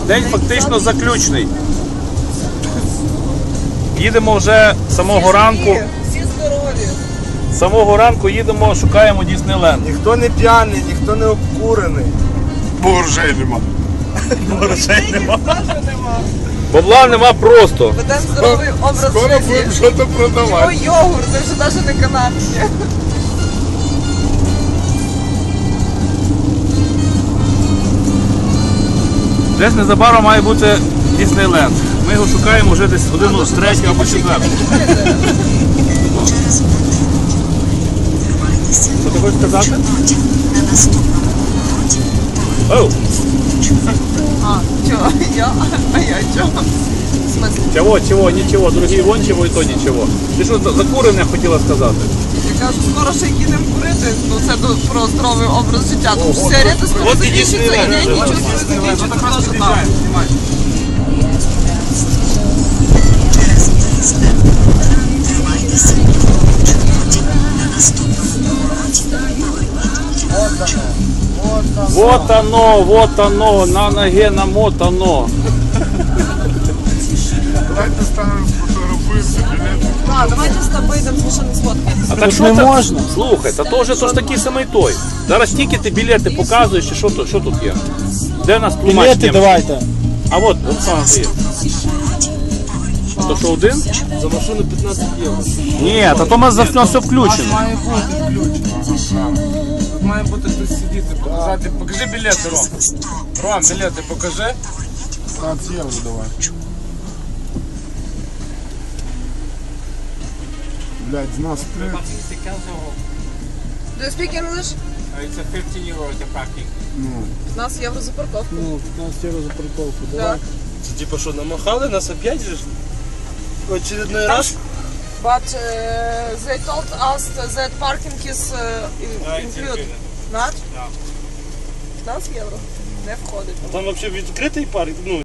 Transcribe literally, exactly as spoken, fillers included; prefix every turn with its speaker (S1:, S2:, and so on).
S1: День фактично заключний. Їдемо вже з самого ранку.
S2: Всі здорові.
S1: З самого ранку їдемо, шукаємо Діснейленд.
S3: Ніхто не п'яний, ніхто не обкурений. Бо грошей нема.
S1: Грошей нема.
S2: Теж нема.
S1: Бабла нема просто.
S2: Ведемо здоровий образ
S3: Скоро будемо
S2: життя.
S3: щось продавати.
S2: Ой, йогурт, це вже навіть не канапки.
S1: Десь незабаром має бути Діснейленд. Ми його шукаємо вже десь годину з третього або четвертого. Що ти хочеш сказати? Оу!
S2: А, чого? Я? А я чого? В смысле?
S1: Чого, чого, нічого, другий вон чого і то нічого. Ти що, закурене хотіла сказати?
S2: Я кажу, скоро ще їдемо курити, ну це до- про здоровий образ життя. Тому що сигарети скоро
S1: От і
S2: закінчаться, і
S1: Діснейленд.
S2: я нічого не закінчиться, теж там.
S1: Вот оно, вот оно, на ноге намотано.
S3: Давайте станемо фотографуємося, білети.
S2: Так, давайте з тобою йдемо з машини сфоткаємося.
S1: А так що не можна? Слухай, та то вже то ж такий самий той. Зараз тільки ти білети показуєш, чи що тут, що тут є? Де у нас тлумач?
S4: Білети давайте.
S1: А от, Оксана, ти є. А то що один?
S3: За машину п'ятнадцять євро.
S1: Ні, та то у нас за все включено.
S3: Має бути включено. Тут має бути хтось сидіти, показати. Покажи білети, Ром. Ром, білети покажи. п'ятнадцять євро давай. Блядь, з нас три.
S2: Do you speak English?
S5: It's a fifty euro the parking.
S2: п'ятнадцять євро за парковку.
S4: Ну, п'ятнадцять євро за парковку,
S2: Так.
S4: давай.
S3: Це типа що, намахали нас опять же? В очередной раз?
S2: But uh, they told us that parking is uh, in-
S5: Uh, it's
S2: included.
S5: included.
S2: Not?
S5: No.
S2: п'ятнадцять євро. Не входить.
S3: Там взагалі відкритий парк, ну,